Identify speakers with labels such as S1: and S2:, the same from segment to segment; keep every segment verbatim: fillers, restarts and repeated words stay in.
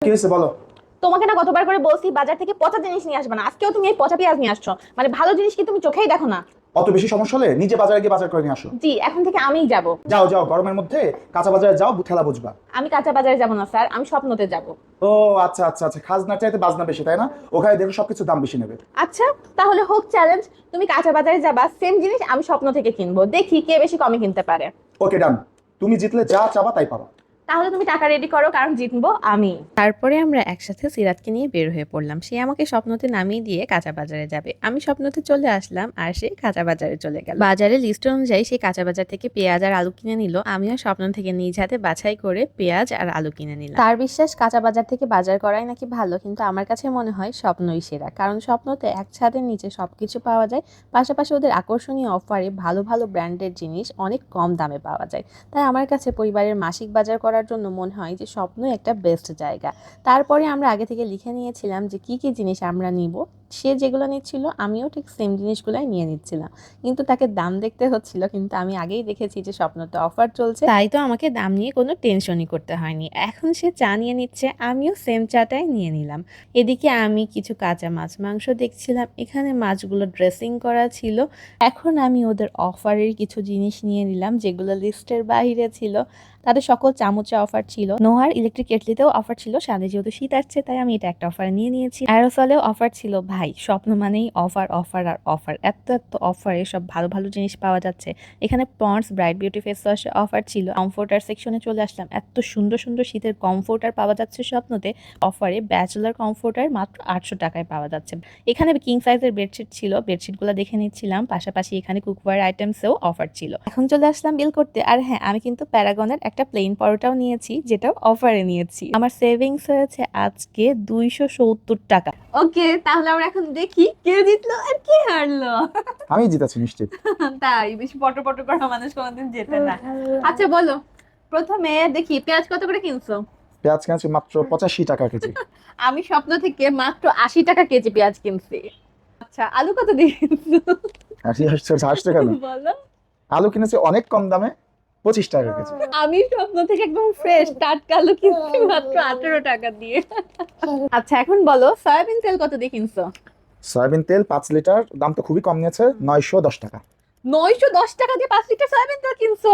S1: কি হয়েছে বলো?
S2: তোমাকে না কতবার করে বলছি বাজার থেকে পচা জিনিস নিয়ে আসবে না, আজকেও তুমি এই পচা পেঁয়াজ নিয়ে আসছো। মানে ভালো জিনিস কি তুমি চোখেই দেখো না?
S1: অত বেশি সমস্যা হলে নিজে বাজারে গিয়ে বাজার করে নিয়ে আসো।
S2: জি, এখন থেকে আমিই যাব।
S1: যাও যাও, গরমের মধ্যে কাঁচা বাজারে যাও, ঠেলা বুঝবা।
S2: আমি কাঁচা বাজারে যাব না স্যার, আমি স্বপ্নতে যাব।
S1: ও আচ্ছা আচ্ছা আচ্ছা, খাজনার চাইতে বাজনা বেশি তাই না? ওখানে দেখো সবকিছু দাম বেশি নেবে।
S2: আচ্ছা, তাহলে হোক চ্যালেঞ্জ। তুমি কাঁচা বাজারে যাবা, সেম জিনিস আমি স্বপ্ন থেকে কিনবো, দেখি কে বেশি কমে কিনতে পারে।
S1: ওকে ডান। তুমি জিতলে যা চাবা তাই পাবা।
S2: তাহলে তুমি টাকা রেডি করো, কারণ জিতবো আমি।
S3: তারপরে আমরা একসাথে সিরাতকে নিয়ে বের হয়ে পড়লাম। সে আমাকে স্বপ্নতে নামিয়ে দিয়ে কাঁচা বাজারে যাবে, আমি স্বপ্নতে চলে আসলাম আর সে কাঁচা বাজারে চলে গেল। বাজারে লিস্ট অনুযায়ী সে কাঁচা বাজার থেকে পেঁয়াজ আর আলু কিনে নিল, আমিও স্বপ্ন থেকে নিজ হাতে বাছাই করে পেঁয়াজ আর আলু কিনে নিলাম। তার বিশ্বাস কাঁচা বাজার থেকে বাজার করাই নাকি ভালো, কিন্তু আমার কাছে মনে হয় স্বপ্নই সেরা, কারণ স্বপ্নতে এক ছাদের নিচে সবকিছু পাওয়া যায়, পাশাপাশি ওদের আকর্ষণীয় অফারে ভালো ভালো ব্র্যান্ডের জিনিস অনেক কম দামে পাওয়া যায়। তাই আমার কাছে পরিবারের মাসিক বাজার করার জন্য মনে হয় যে স্বপ্নই একটা বেস্ট জায়গা। তারপরে আমরা আগে থেকে লিখে নিয়েছিলাম যে কি কি জিনিস আমরা নিব। সে যেগুলো নিচ্ছিল আমিও ঠিক সেম জিনিসগুলাই নিয়ে নিচ্ছিলাম, কিন্তু তাকে দাম দেখতে হচ্ছিল, কিন্তু আমি আগেই দেখেছি যে স্বপ্নতে অফার চলছে, তাই তো আমাকে দাম নিয়ে কোনো টেনশনই করতে হয়নি। এখন সে চা নিয়ে নিচ্ছে, আমিও সেম চাটাই নিয়ে নিলাম। এদিকে আমি কিছু কাঁচা মাছ মাংস দেখছিলাম, এখানে মাছগুলো ড্রেসিং করা ছিল। এখন আমি ওদের অফারের কিছু জিনিস নিয়ে নিলাম যেগুলো লিস্টের বাইরে ছিল। তাদের সকল চামচে অফার ছিল, নোহার ইলেকট্রিক কেটলিতেও অফার ছিল, সামনে যেহেতু শীত আসছে তাই আমি এটা একটা অফার নিয়ে নিয়েছি। অ্যারোসলেও অফার ছিল। ভাই, স্বপ্ন মানেই অফার অফার আর অফার, এত এত অফারে সব ভালো ভালো জিনিস পাওয়া যাচ্ছে। এখানে পন্ডস ব্রাইট বিউটি ফেস ওয়াশে অফার ছিল। কমফোর্টার সেকশনে চলে আসলাম, এত সুন্দর সুন্দর শীতের কমফোর্টার পাওয়া যাচ্ছে স্বপ্নতে অফারে। ব্যাচেলার কমফোর্টার মাত্র আটশো টাকায় পাওয়া যাচ্ছে। এখানে কিং সাইজের বেডশিট ছিল, বেডশিটগুলো দেখে নিচ্ছিলাম, পাশাপাশি এখানে কুকওয়্যার আইটেমসেও অফার ছিল। এখন চলে আসলাম বিল করতে। আর হ্যাঁ, আমি কিন্তু প্যারাগনের একটা প্লেন পরোটাও নিয়েছি, যেটাও অফারে নিয়েছি। আমার সেভিংস হয়েছে আজকে দুইশো সত্তর টাকা।
S2: ওকে, তাহলে আমরা এখন দেখি কে জিতলো আর কে হারলো।
S1: আমি জিতেছি নিশ্চিত।
S2: তাই বেশি পটর পটর করা মানুষ কোনোদিন জেতে না। আচ্ছা বলো, প্রথমে দেখি পেঁয়াজ কত করে কিনছো?
S1: পেঁয়াজ কিনেছি মাত্র পঁচাশি টাকা কেজি।
S2: আমি স্বপ্ন থেকে মাত্র আশি টাকা কেজি পেঁয়াজ কিনছি। আচ্ছা, আলু কত দিয়ে কিনছো?
S1: হাসি হাসছে, হাসছে কেন?
S2: বলো।
S1: আলু কিনেছি অনেক কম দামে, পঁচিশ টাকা কেজি।
S2: আমি স্বপ্ন থেকে একদম ফ্রেশ টাটকা আলু কিনছি মাত্র আঠারো টাকা দিয়ে। আচ্ছা, এখন বলো সয়াবিন তেল কত দিয়ে কিনছো?
S1: সয়াবিন তেল পাঁচ লিটার, দাম তো খুবই কম নিয়েছে, নয়শো দশ টাকা।
S2: নয়শো দশ টাকা দিয়ে পাঁচ লিটার সয়াবিন তেল কিনছো?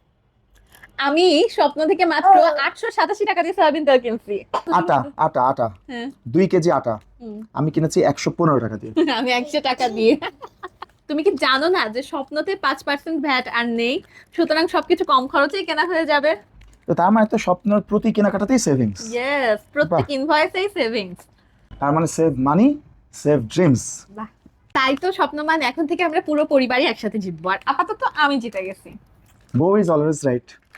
S2: আমি স্বপ্ন থেকে মাত্র আটশো সাতাশি টাকা দিয়ে সয়াবিন তেল কিনছি।
S1: আটা আটা আটা
S2: হ্যাঁ।
S1: দুই কেজি আটা
S2: হুম।
S1: আমি কিনেছি একশো পনেরো টাকা দিয়ে।
S2: আমি একশো টাকা দিয়ে। তুমি কি জানো না যে স্বপ্নতে পাঁচ পার্সেন্ট ভ্যাট আর নেই, সুতরাং সবকিছু কম খরচেই কেনা হয়ে যাবে।
S1: তো তার মানে তো স্বপ্নের প্রতি কেনাকাটাতেই সেভিংস।
S2: ইয়েস, প্রত্যেক ইনভয়েসেই সেভিংস।
S1: তার মানে সেভ মানি, সেভ ড্রিমস।
S2: বাহ, তাই তো স্বপ্ন মানে এখন থেকে আমরা পুরো পরিবারই একসাথে জিতবো, আর আপাতত আমি জিতে গেছি।
S1: বউ ইজ অলওয়েজ রাইট।